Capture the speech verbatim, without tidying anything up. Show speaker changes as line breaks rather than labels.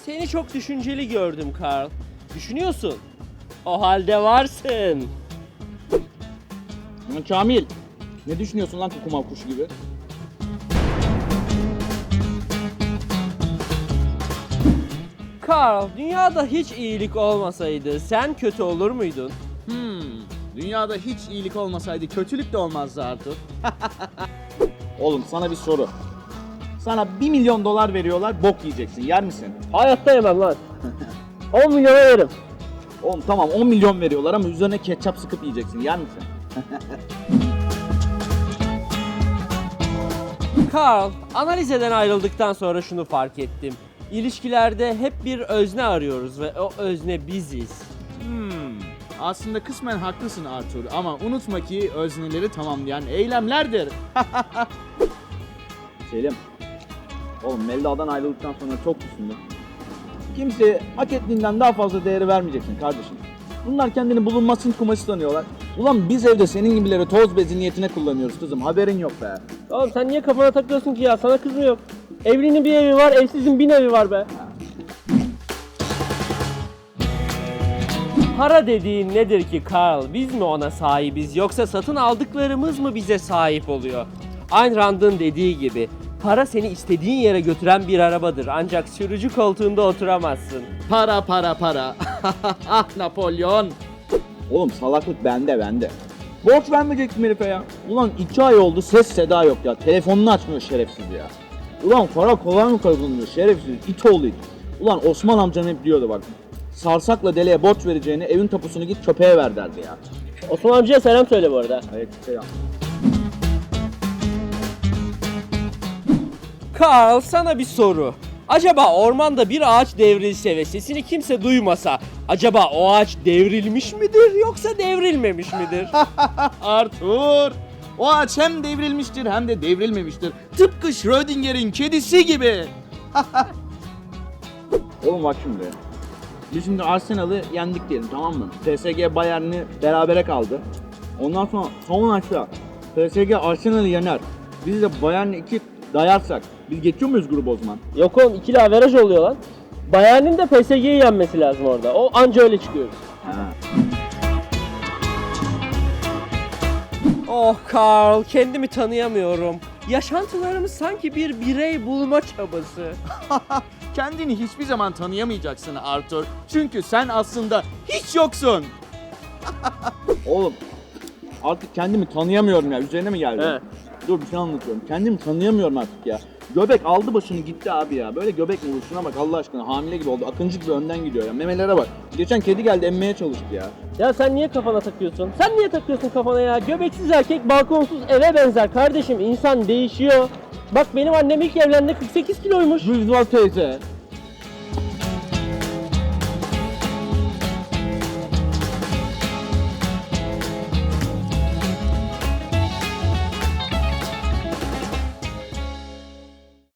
Seni çok düşünceli gördüm Carl. Düşünüyorsun. O halde varsın.
Lan Kamil, ne düşünüyorsun lan kukumav kuşu gibi?
Carl, dünyada hiç iyilik olmasaydı sen kötü olur muydun?
Hmm, dünyada hiç iyilik olmasaydı kötülük de olmazdı Arthur. Oğlum sana bir soru. Sana bir milyon dolar veriyorlar, bok yiyeceksin. Yer misin?
Hayatta yemem lan. on milyona yerim.
Oğlum tamam on milyon veriyorlar ama üzerine ketçap sıkıp yiyeceksin. Yer misin?
Carl, analizeden ayrıldıktan sonra şunu fark ettim. İlişkilerde hep bir özne arıyoruz ve o özne biziz.
Hmm, aslında kısmen haklısın Arthur ama unutma ki özneleri tamamlayan eylemlerdir. Selim, oğlum Melda'dan ayrıldıktan sonra çok düşündüm. Kimseye hak ettiğinden daha fazla değeri vermeyeceksin kardeşim. Bunlar kendini bulunmasın kumaşı sanıyorlar. Ulan biz evde senin gibileri toz bezi niyetine kullanıyoruz kızım, haberin yok be.
Oğlum sen niye kafana takıyorsun ki ya? Sana kız mı yok? Evlinin bir evi var, evsizin bin evi var be. Para dediğin nedir ki Carl? Biz mi ona sahibiz yoksa satın aldıklarımız mı bize sahip oluyor? Ayn Rand'ın dediği gibi para seni istediğin yere götüren bir arabadır ancak sürücü koltuğunda oturamazsın.
Para para para. Ah Napolyon. Oğlum salaklık bende bende. Borç vermeyecektim herife ya. Ulan iki ay oldu ses seda yok ya. Telefonunu açmıyor şerefsiz ya. Ulan para kolay mı kazanılıyor şerefsiz it oğlu it. Ulan Osman amcan hep diyordu bak. Sarsakla deliye borç vereceğini evin tapusunu git köpeğe ver derdi ya.
Osman amcaya selam söyle bu arada.
Evet selam.
Carl, sana bir soru. Acaba ormanda bir ağaç devrilse ve sesini kimse duymasa, acaba o ağaç devrilmiş midir yoksa devrilmemiş midir?
Arthur! O ağaç hem devrilmiştir hem de devrilmemiştir. Tıpkı Schrödinger'in kedisi gibi. Oğlum bak şimdi. Biz şimdi Arsenal'ı yendik diyelim tamam mı? P S G Bayern'i berabere kaldı. Ondan sonra son maçta P S G Arsenal'ı yener. Biz de Bayern'i iki dayarsak biz geçiyor muyuz grubu o zaman?
Yok oğlum, ikili averaj oluyor lan. Bayern'in de P S G'yi yenmesi lazım orada. O anca öyle çıkıyoruz.
Ha.
Oh Carl, kendimi tanıyamıyorum. Yaşantılarımız sanki bir birey bulma çabası.
Kendini hiçbir zaman tanıyamayacaksın Arthur. Çünkü sen aslında hiç yoksun. Oğlum artık kendimi tanıyamıyorum ya. Üzerine mi geldi?
He.
Dur bir şey anlatıyorum. Kendimi tanıyamıyorum artık ya. Göbek aldı başını gitti abi ya. Böyle göbek mi olur? Şuna bak Allah aşkına. Hamile gibi oldu. Akıncı gibi önden gidiyor ya. Memelere bak. Geçen kedi geldi emmeye çalıştı ya.
Ya sen niye kafana takıyorsun? Sen niye takıyorsun kafana ya? Göbeksiz erkek balkonsuz eve benzer kardeşim. İnsan değişiyor. Bak benim annem ilk evlendiğinde kırk sekiz kiloymuş.
Rüzgar teyze.